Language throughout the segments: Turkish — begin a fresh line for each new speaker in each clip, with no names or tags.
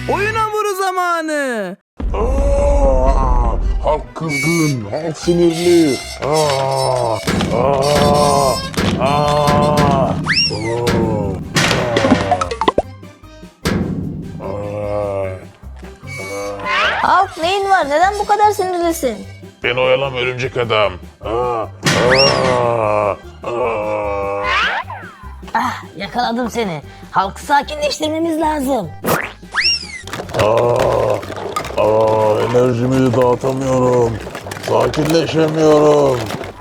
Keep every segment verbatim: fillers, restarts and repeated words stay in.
Oyun hamuru zamanı.
Aa, halk kızgın, halk sinirli. Aa, aa, aa, oo, aa, aa.
Halk neyin var? Neden bu kadar sinirlisin?
Beni oyalama örümcek adam. Aa, aa, aa.
Ah, yakaladım seni. Halkı sakinleştirmemiz lazım.
Aa, aa, enerjimi dağıtamıyorum. Sakinleşemiyorum.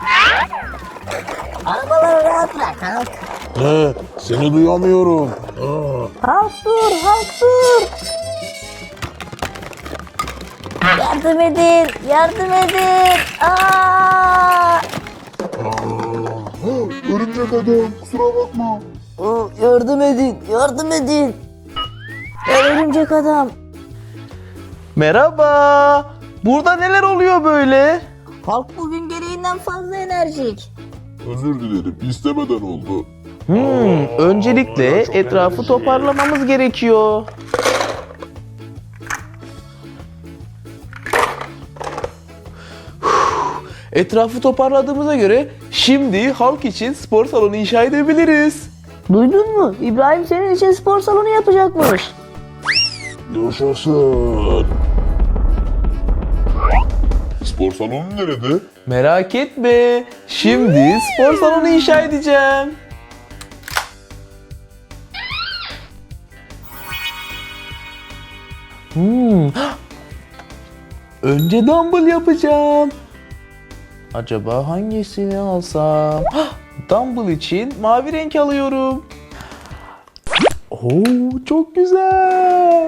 Arabaları rahat bırak halk.
Ne? Seni duyamıyorum. Aa.
Halk dur, halk dur. Yardım edin, yardım edin. Aa!
Örümcek adam, kusura bakma.
Oo, yardım edin, yardım edin. Ey örümcek adam.
Merhaba. Burada neler oluyor böyle?
Halk bugün gereğinden fazla enerjik.
Özür dilerim, istemeden oldu.
Hmm, öncelikle
çok
etrafı
enerji.
toparlamamız gerekiyor. Etrafı toparladığımıza göre şimdi halk için spor salonu inşa edebiliriz.
Duydun mu? İbrahim senin için spor salonu yapacakmış.
Yaşasın. Spor salonu nerede?
Merak etme. Şimdi spor salonu inşa edeceğim. Hmm. Önce dumbbell yapacağım. Acaba hangisini alsam? Dumbbell için mavi renk alıyorum. Oo, çok güzel.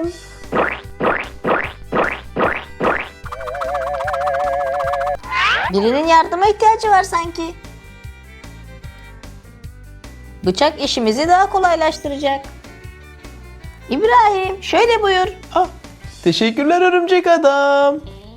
Birinin yardıma ihtiyacı var sanki. Bıçak işimizi daha kolaylaştıracak. İbrahim, şöyle buyur.
Ah, teşekkürler örümcek adam.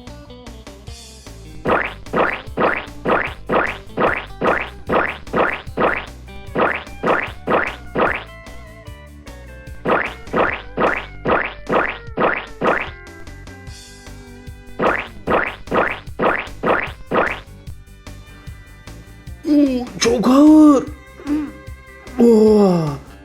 Oo, çok ağır. Oh.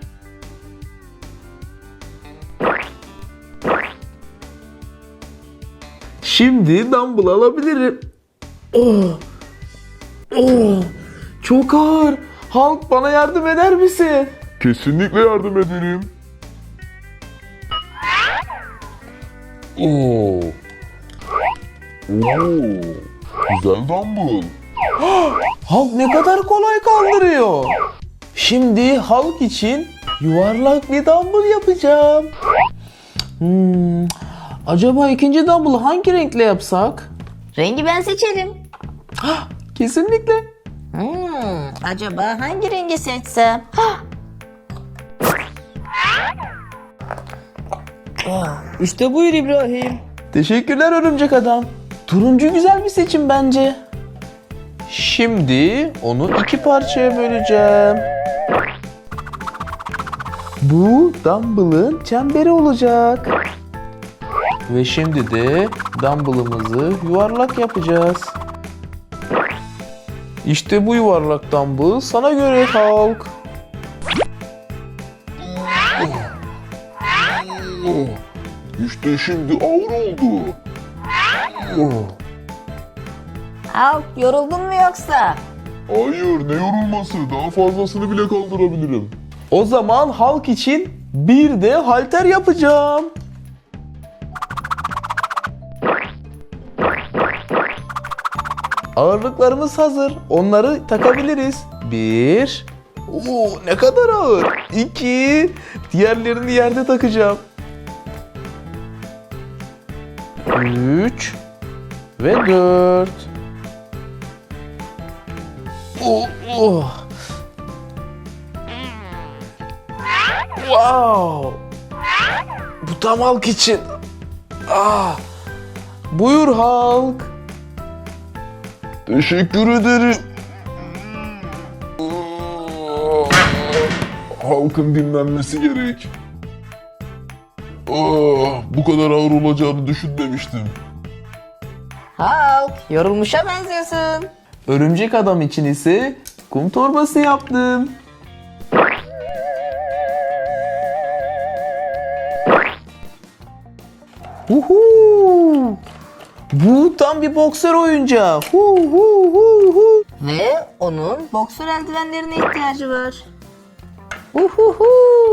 Şimdi dumbbell alabilirim. Oh. Oh. Çok ağır. Halk bana yardım eder misin?
Kesinlikle yardım ederim. Oo. Oo. Güzel dumbbell.
Halk ne kadar kolay kaldırıyor. Şimdi halk için yuvarlak bir dumbbell yapacağım. Hmm, acaba ikinci dumbbell'ı hangi renkle yapsak?
Rengi ben seçerim.
Kesinlikle.
Hmm, acaba hangi rengi seçsem? İşte buyur İbrahim.
Teşekkürler örümcek adam. Turuncu güzel bir seçim bence. Şimdi onu iki parçaya böleceğim. Bu dumbbell'ın çemberi olacak. Ve şimdi de dumbbell'ımızı yuvarlak yapacağız. İşte bu yuvarlak dumbbell sana göre halk.
Oh. İşte şimdi ağır oldu. Oh.
Halk yoruldun mu yoksa?
Hayır, ne yorulması, daha fazlasını bile kaldırabilirim.
O zaman halk için bir de halter yapacağım. Ağırlıklarımız hazır. Onları takabiliriz. Bir. Oo, ne kadar ağır. İki. Diğerlerini yerde takacağım. Üç. Ve dört. Oh, oh. Wow. Bu tam halk için. Ah. Buyur halk.
Teşekkür ederim. Halkın dinlenmesi gerek. Ah, bu kadar ağır olacağını düşünmemiştim.
Hulk, yorulmuşa benziyorsun.
Örümcek adam için ise kum torbası yaptım. Uhu! Bu tam bir boksör oyuncağı. Hu hu hu hu.
Ve onun boksör eldivenlerine ihtiyacı var. Uhuhu.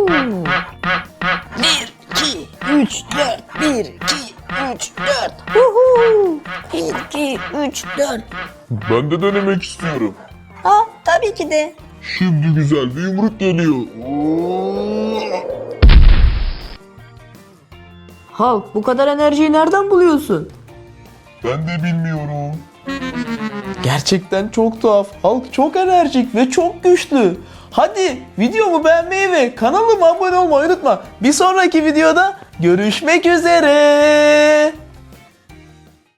Bir, iki, üç, dört. Bir, iki, üç, dört. Uhu. Bir, iki, üç, dört.
Ben de denemek istiyorum.
Ha, tabii ki de.
Şimdi güzel bir yumruk geliyor.
Hulk, bu kadar enerjiyi nereden buluyorsun?
Ben de bilmiyorum.
Gerçekten çok tuhaf. Hulk çok enerjik ve çok güçlü. Hadi videomu beğenmeyi ve kanalıma abone olmayı unutma. Bir sonraki videoda görüşmek üzere.